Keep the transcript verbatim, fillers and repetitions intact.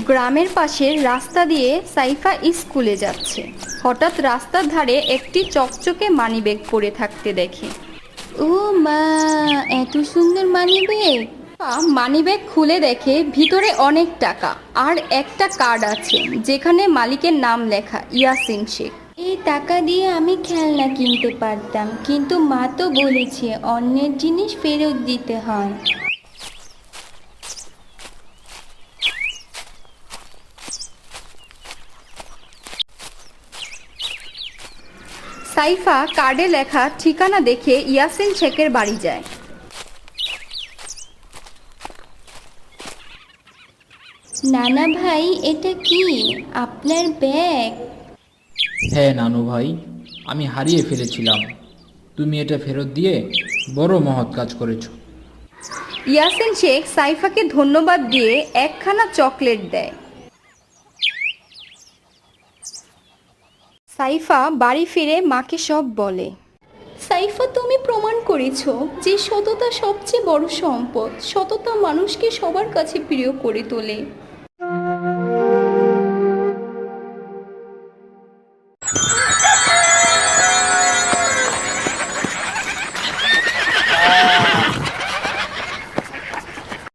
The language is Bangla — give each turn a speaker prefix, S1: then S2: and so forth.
S1: গ্রামের পাশের রাস্তা দিয়ে সাইফা স্কুলে যাচ্ছে। হঠাৎ রাস্তার ধারে একটি চকচকে মানিব্যাগ পড়ে থাকতে দেখে। ও মা, এত সুন্দর মানিব্যাগ! মানিব্যাগ খুলে দেখে ভিতরে অনেক টাকা আর একটা কার্ড আছে যেখানে মালিকের নাম লেখা ইয়াসিন শেখ। এই টাকা দিয়ে আমি খেলনা কিনতে পারতাম, কিন্তু মা তো বলেছে অন্যের জিনিস ফেরত দিতে হয়। সাইফা কার্ডে লেখা ঠিকানা দেখে ইয়াসিন শেখের বাড়ি যায়। নানা ভাই, এটা কি আপনার ব্যাগ?
S2: হ্যাঁ নানু ভাই, আমি হারিয়ে ফেলেছিলাম। তুমি এটা ফেরত দিয়ে বড় মহৎ কাজ করেছো।
S1: ইয়াসিন শেখ সাইফাকে ধন্যবাদ দিয়ে একখানা চকলেট দেয়। সাইফা বাড়ি ফিরে মাকে সব বলে। সাইফা, তুমি প্রমাণ করেছো যে সততা সবচেয়ে বড় সম্পদ। সততা মানুষকে সবার কাছে প্রিয় করে তোলে।